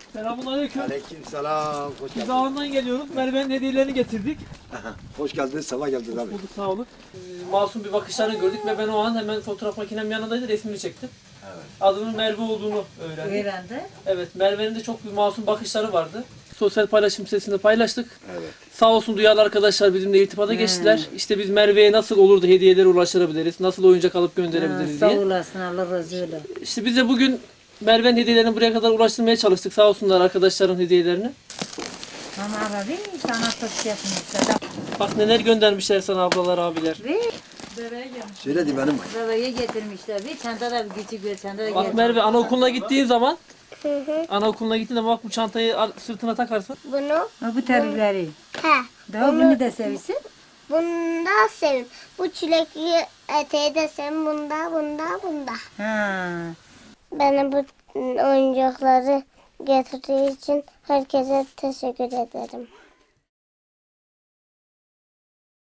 Selamünaleyküm. Aleykümselam. Hoş Biz geldiniz. dağından geliyoruz. Merve'nin hediyelerini getirdik. Hoş geldiniz. Sabah geldiniz abi. Bulduk, sağ olun. Masum bir bakışlarını gördük ve ben o an hemen fotoğraf makinem yanındaydı, resmini çektim. Evet. Adının Merve olduğunu öğrendim. Öğrendi. Evet, Merve'nin de çok bir masum bakışları vardı. Sosyal paylaşım sitesinde paylaştık. Evet. Sağ olsun duyarlı arkadaşlar bizimle irtibata geçtiler. İşte biz Merve'ye nasıl olur da hediyelere ulaştırabiliriz, nasıl oyuncak alıp gönderebiliriz Sağ diye. olasın, Allah razı olsun. İşte biz de bugün Merve'nin hediyelerini buraya kadar ulaştırmaya çalıştık. Sağ olsunlar arkadaşların hediyelerini. Ama abi sana çok yapmışlar. Bak neler göndermişler sana ablalar, abiler. Ve bebeğe gelmiş. Söyledi benim. Bebeğe getirmişler. Bir çanta da küçük bir çanta da Bak getirmiş. Merve, anaokuluna gittiğin zaman anaokuluna gittiğin zaman bak bu çantayı sırtına takarsın. Bunu Ha, bu terlikleri. he. Daha bunu da seviyorsun. Bunu da sevim. Bu çilekli eteği de sevim. Bunda. Ha. Bana bu oyuncakları getirdiği için herkese teşekkür ederim.